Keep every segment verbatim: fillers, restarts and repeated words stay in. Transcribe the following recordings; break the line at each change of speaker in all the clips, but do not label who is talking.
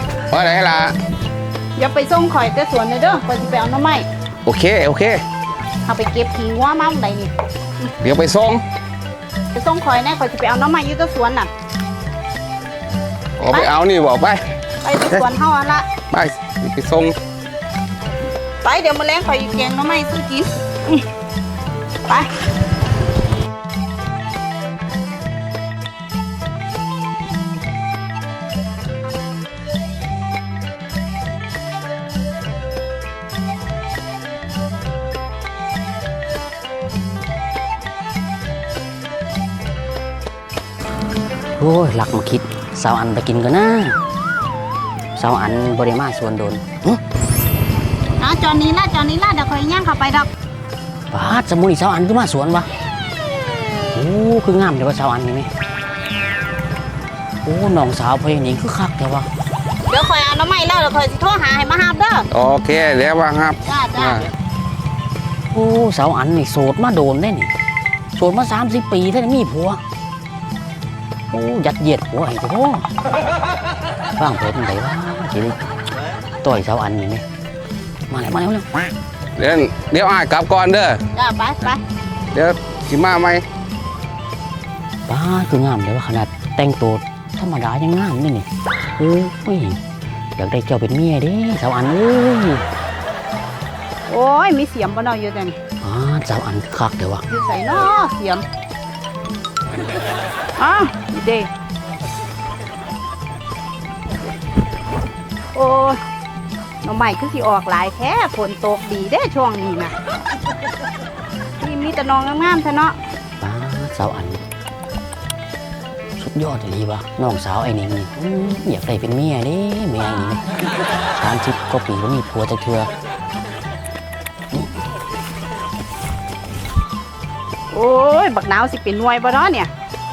ว่าไหนล่ะ
อย่าไปส่งข่อยแต่สวนเลยเด้อข่อยสิไปเอาน้ำไม้
โอเคโอเค
เอาไปเก็บทิ้งว่ามาไหนนี่
เดี๋ยวไปส่ง
ไปส่งข่อยแน่ข่อยสิไปเอาน้ำไม้อยู่แต่สวนน่ะ
เอาไปเอานี่บอกไป
ไปสวนเฮาอันละ
ไปไปส่ง
ไปเดี๋ยวมาแล้งข่อยแกงน้ำไม้ซื้อกินไป
โอ้ยหลักมาคิดสาวอันไปกินกันนะสาวอันบริมาสวนโดน
อ่ะจอนนี้ละจอนนี้ละเดี๋ยวคอยย่างเข้าไปดอก
ป้าสมุนสาวอันก็มาสวนวะโอ้คืองามเดี๋ยวว่าสาวอันนี่ไหมโอ้น้องสาวพยานิงคือคักแต่ว่า
เดี๋ยวคอยเอาน้ำไม้แล้วเดี๋ยวคอยสิโทรหาให้มาหาเด้อ
โอเคเดี๋ยวว่าครับ
จ้าจ้า
โอ้สาวอันนี่โสดมาโดนได้นี่โสดมาสามสิบปีท่านมีผัวโอ้ยัดเยียดผัวไอ้เจ้าพ่อฟังเพลงไหนวะทีนี้ต่อยสาวอันนี่ไหมมาแล้วมาแล้ว
เดี๋ยวเดี๋ยวอ่านกลับก่อนเด้อ
จ้าไปไป
เดี๋ยวสิมาไหม
ป้าคืองามเดี๋ยวว่าขนาดแต่งตัวธรรมดายังงามนี่นี่โอ้ยอยากได้เจ้าเป็นเมียดิสาวอันเอ้ย
โอ้ยมีเสียมบ่เนาะอยู่แต่นี่
อ่าสาวอันคักเดี๋ยววะ
อยู่ใส่เนาะเสียมอ่ะเด้โอ้ยน้องใหม่คือสิออกหลายแค่ฝนตกดีได้ช่วงนี้นะที่มีแต่น้องงามๆแท้เนาะ
ป้าสาวอันสุดยอดเลยวะน้องสาวไอ้นี่นี่อยากได้เป็นเมียดิเมียไอ้นี่สามสิบก็ปีก็มีผัวจะเทือ
โอ้ยบักหนาวสิเป็นหน่วยบ่เนาะเนี่ย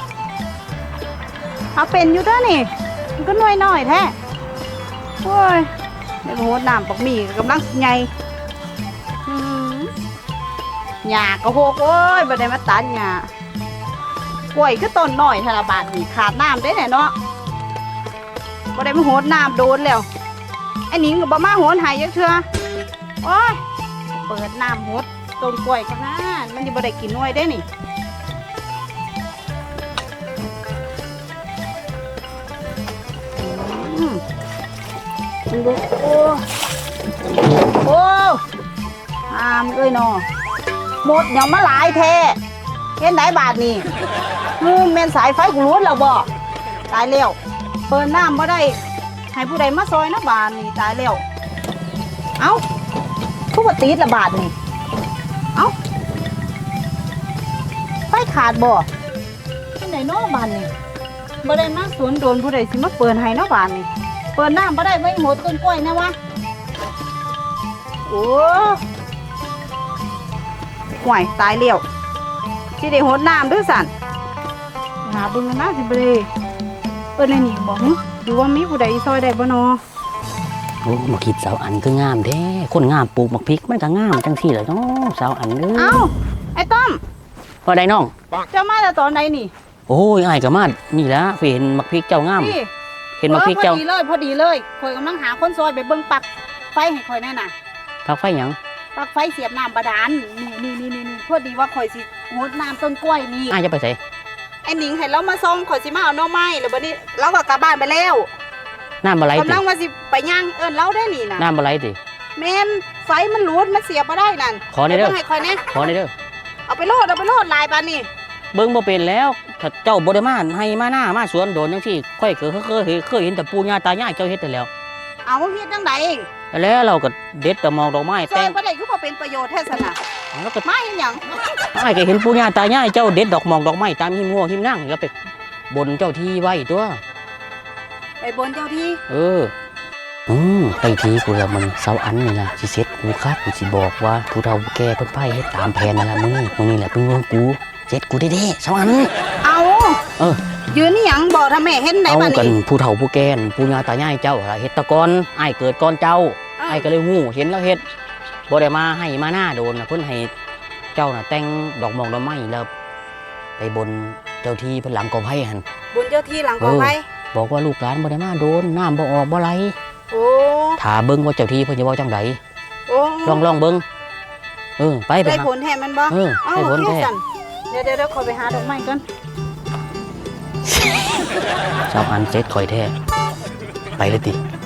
เอาเป็นอยู่เด้อนี่มันก็หน่วยน้อยแท้โอ้ยในโหดน้ำปักมีกำลังใหญ่หญ้าก็โหกโอ้ยบ่ได้มาตัดหญ้ากล้วยคือต้นน้อยธนบาทนี่ขาดน้ำได้แน่เนาะบ่ได้มาโหดน้ำโดนแล้วไอ้หนิงก็บ่มาโหดหายจักเทื่อโอ้ยเปิดน้ำโหดต้นกล้วยกันนะมันจะบ่ได้กินหน่วยได้นี่โอ้โอ้อามเอ้ยนอหมดยังมาหลายแท้เห็นไหนบาทนี่งูเมนสายไฟกูรู้แล้วบ่ตายแล้วเปิดน้ำบ่ได้ให้ผู้ใดมาซอยนะบาทนี่ตายแล้วเอ้าทุกวันตีละบาทนี่เอ้าไฟขาดบ่ที่ไหนนอกบ้านนี่บ่ได้มาสวนโดนผู้ใดสิมาเปิดให้นอกบ้านนี่เปิดน้ำบ่ได้ไว้หมดต้นกล้วยนะวะโอ้ห่วยตายเลี้ยวที่ได้หดน้ำด้วยสันหาบึงนะสิบ่ได้เปิดในนี่บอกดูว่ามีผู้ใดซอยได้บ่นอ
โอ้มาคิดสาวอันคืองามแท้คนงามปลูกมักพริกมันก็งามจังที่เลยเนาะสาวอันเด้อ
เอ้าไอ้ต้อม
พอได้น้อง
เจ้ามาแต่ตอนไหนนี่
โอ้ยไอ้กับมานี่ละเห็นมักพริกเจ้างามเห็นมักพริกเจ้า
พอดีเลยพอดีเลยคอยกำลังหาคนซอยไปเบิ่งปักไฟให้คอยแน่น่ะ
ปักไฟหยัง
ปักไฟเสียบน้ำบาดาลนี่นี่นี่นี่พอดีว่าคอยสิงดน้ำต้นกล้วยนี่
อ้ายจะไปใส่
ไอ้หนิงเห็นแล้วมาส่งคอยสิมาเอาหน่อไม้แล้วบัดนี้เราก็กลับบ้านไปแล้ว
น้ำอะไร
กำลังว่าสิไปย่างเอิ้นเราได้นี่น่ะ
น้ำอะไรติ
แม่นไฟมันหลุดมันเสียบบ่ได้นั่น
ขอในเด้อ
ให้คอยแน่
ขอในเด้อ
เอาไปโลดเอาไปโลดลายปานนี่
เบิ่งบ่เป็นแล้วถ้าเจ้าบ่ได้มาให้มาหน้ามาสวนโดนจังซี่ค่อยเคยเคยเคยเห็นแต่ปู่ย่าตายายเจ้าเฮ็ดแต่แล้ว
เอาเฮ็ดจังได
แล้วเราก็เด็ดแต่มองดอกไม้
แต่บ่ได้คือบ่เป็นประโยชน์แท้ซั่นน่ะ
แล้วก็
ไม้หยัง
อ้ายก็เห็นปู่ย่าตายายเจ้าเด็ดดอกมองดอกไม้ตามหิมงัวหิมนั่งแล้วไปบนเจ้าที่ไว้ตัว
ไปบนเจ้าที่
เอออืมไปทีกูละมันเสาอันนี่ล่ะสิเซ็ตกูคัดกูสิบอกว่าผู้เฒ่าแก่เพิ่นไผเฮ็ดตามแผนนั่นล่ะมื้อนี้มื้อนี้แหละเพิ่นว่ากูเซ็ตกูเด้ๆเสาอัน
เอา
เออ
ยืนนี่หยังบอกถ้าแม่เห็นได้
บัดนี้เอา
กั
นผู้เฒ่าผู้แก่ปู่ย่าตายายเจ้าล่ะเฮ็ดตะกอนอ้ายเกิดก่อนเจ้าอ้ายก็เลยฮู้เห็นแล้วเฮ็ดบ่ได้มาให้มาหน้าโดนน่ะเพิ่นให้เจ้าน่ะแต่งดอกมองดอกไม้แล้วไปบนเจ้าที่เพิ่นหลังกอไผ่หั่น
บนเจ้าที่หลังกอไผ่
บอกว่าลูกหลานบ่ได้มาโดนน้ำบ่ออกบ่ไหล
โอ้
ถ้าเบิ่งว่าเจ้าที่เพิ่นจะเว้าจังได
โอ้
ลองลองเบิ่งเออไปไป
ได้
หา
ผลแทนมันบ่
เออ
เอ้า
ได้ผล
โอเค
แท้
สั่นเดี๋ยวเดี๋ยวเดี๋ยวขอไปหาดอกไม้ก่อน
สาวอันเจ็ดข่อยแท้ไปเลยติ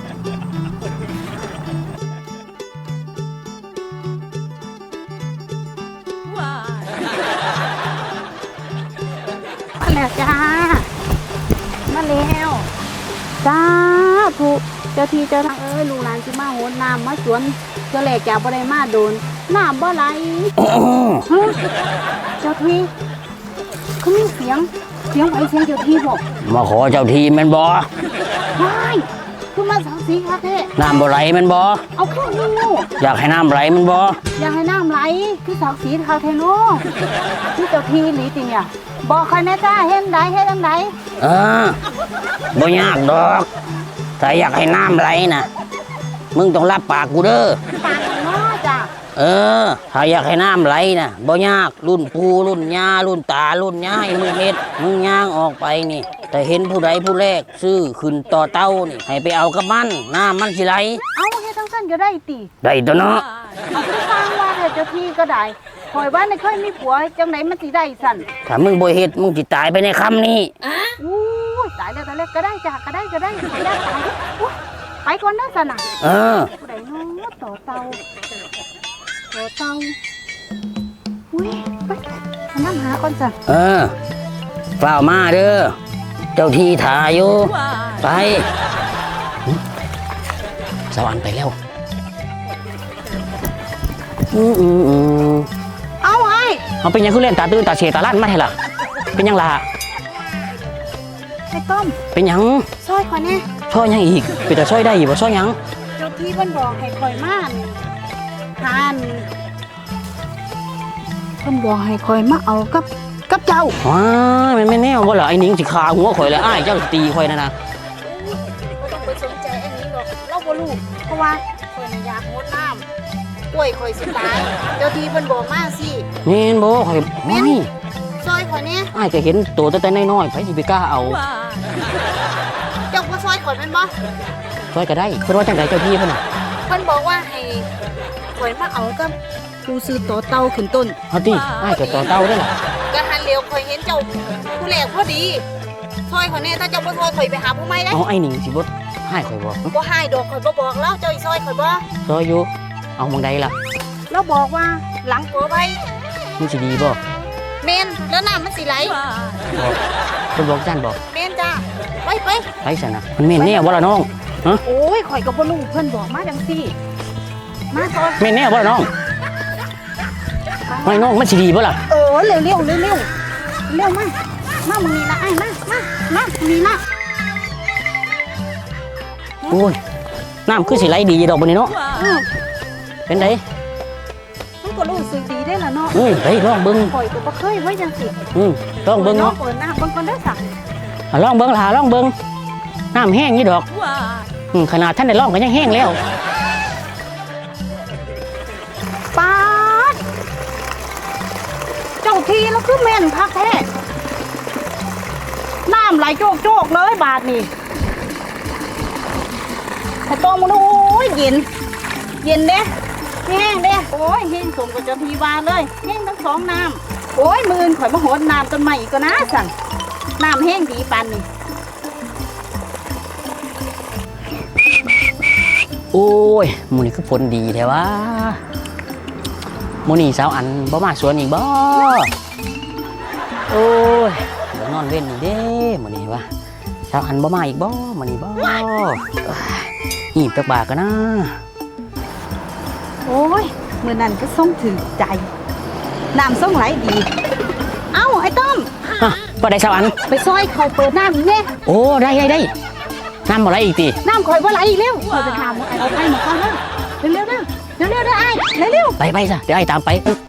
มาแล้วจ้า มาแล้วจ้าถูกเจ้าที่เจ้าทางเอ้ยลูกหลานสิมาโหนน้ำมาสวนเจ้าแหลกจากบ่ได้มาโดนน้ำบ่ไหลฮะเจ้าที่เขามีเสียงเสียงไหวเสียงเจ้าที่บอก
มาขอเจ้าที่แม่นบ่
ว้ายคือมาสังสีคาเท่
น้ำบ่ไหลแม่นบ่
เอาเครื่องงู
อยากให้น้ำไหลแม่นบ่
อยากให้น้ำไหลคือสังสีคาเทโนคือเจ้าที่หลีติเนี่ยบอกใครนะจ้าเห็นไดเห็นจังได
เออบ่ยากดอกถ้าอยากให้น้ำไหลน่ะมึงต้องรับปากกูเด้อ
ปากเนาะจ้า
เออถ้าอยากให้น้ำไหลน่ะบ่ยากรุ่นปู่รุ่นย่ารุ่นตารุ่นย่ายมึงเฮ็ดมึงย่างออกไปนี่แต่เห็นผู้ใดผู้แรกซื้อขึ้นต่อเต้านี่ให้ไปเอากับมันน้ำมันสิไหล
เอาเฮ็ดทั้งสั้นก็ได้ติ
ได้ตัวเนาะ
เอาไปสร้างว่าเจ้าที่ก็ได้คอยว่าในเคยมีผัวจังไหนมันสิได้สั่น
ถ้ามึงบ่เฮ็ดมึงสิตายไปในคำนี้
อู้ยตายแล้วตายแล้วก็ได้จ้าก็ได้ก็ได้ขออนุญาตตายอุ๊ยไปก่อนนะสั่นน่ะ
เออ
ผู้ใดเนาะต่อเตาต่อเตาอุ้ยไปมานั่งหาก่อนจ้ะ
เออเฝ้ามาเด้อเจ้าที่ถ่ายอยู่ไปหึสวรรค์ไปแล้วอืมอืมอืม
เอาไอ้
เอาเป็นหยังคือเล่นตาตื่นตาเฉยตาลั่นมาให้ล่ะเป็นหยังล่ะ
ไอ้ต้ม
เป็นหยัง
ซอยขอยแน่
ช่อยหยังอีกเป็นแต่ช่อยได้อยู่บ่ช่อยหยัง
เจ้าที่เพิ่นบอกให้คอยมาอั่นทานเพิ่นบอกให้คอยมาเอากับกับเจ้า
ว้ายมันไม่แน่ว่าล่ะไอ้หนิงสิขาหัวข่อยแล้วอ้ายเจ้าสิตีข่อยนะนะ
บ่ต้องไปสนใจอันนี้หรอกเราบ่รู้เพราะว่าคอยน่ะอยากงดน้ำกล้วยคอยสิตายเจ้าที่เพิ่นบอกมาสิ
แม่นบ่ข่อยไม่
ซอยขอยแน่
อ้ายก็เห็นตัวแต่น้อยๆไผสิไปกล้าเอา
เจ้าบ่ซอยข่อยแม่นบ่
ช่วยก็ได้เพิ่นว่าจังไดเจ้าพี่เพิ่นน่ะ
เพิ่นบอกว่าให้ข่อยมาเอากับผู้ซื้อต่อเตาขึ้นต้น
เอาติอ้ายก็ต่อเต้าได้ล่ะ
กะหันเร็วข่อยเห็นเจ้าผู้แรกพอดีซอยข่อยแน่ถ้าเจ้าบ่ซอยข่อยไปหาผู้ใหม่ได้
เอาไอ้หนิงสิบ่ให้ข่อยบ่
บ่ให้ดอกข่อยบ่บอกแล้วเจ้าอีซอยข่อยบ่
ซอยอยู่เอาหมองใดล่ะ
แล้วบอกว่าหลังกอไว้
มันสิดีบ่
แม่นแล้วน้ำมันสิไหล
บอกเพิ่นบอกจันบ่
แม่นจ้าไปไป
ไปซั่นน่ะมันแม่นแน่บ่ล่ะน้องฮะ
โอ้ยข่อยก็บ่รู้เพิ่นบอกมาจังซี่มาซอย
แม่นแน่บ่ล่ะน้องไม่น้องมันสิดีบ่ล่ะ
เออเร็วเร็วเร็วเร็วเร็วมามามึงนี่ละไอ้มามามามึงนี่ละ
โอ้ยน้ำคือสิไหลดีดอกบัดนี้เนาะ
เออ
เป็นได
มันก็รู้สึกดีได้ล่ะเนาะ
เอ้ยไปลองเบิ่ง
ข่อยก็บ่เคยไว้จังซี่
อืมลองเบิ่งเนาะ
เปิดหน้าเบิ่งก่อนเด้อสัก
อ่ะลองเบิ่งล่ะลองเบิ่งน้ำแห้งอยู่ดอกอืมขนาดท่านได้ลองก็ยังแห้งแล้ว
ปาดเจ้าทีแล้วคือแม่นคักแท้น้ำไหลโจกโจกๆเลยบาทนี่แต่ตองมันโอ้ยเย็น เย็นเด้แห้งเด้โอ้ยแห้งสมกับเจ้าทีวาเลยแห้งทั้งสองน้ำโอ้ยมือนข่อยมาโหดน้ำต้นใหม่อีกก็นะสั่นน้ำแห้งดีปานนี่
โอ้ยหมูนี่คือผลดีแท้วะหมูนี่สาวอันบ่มาสวนอีกบ่โอ้ยเดี๋ยวนอนเว้นอีกเด้หมูนี่วะสาวอันบ่มาอีกบ่หมูนี่บ่หีบจักบาทกันนะ
โอ้ยมือนั่นก็ส่งถึงใจน้ำส่งไหลดี เอ้าไอ้ต้อม
ฮะบ่ได้สาวอัน
ไปซอยเขาเปิดน้ำอีกแน่
โอ้ได้ได้ได้น้ำบ่ไหลอีกติ
น้ำข่อยว่าไหลอีกเร็วข่อยไปถามว่าไอ้เอาไปมาก่อนเร็วเร็วเร็วเร็วเร็วเร็วเด้อไอ้เร็วเร็ว
ไปไปซะเดี๋ยวไอ้ตามไป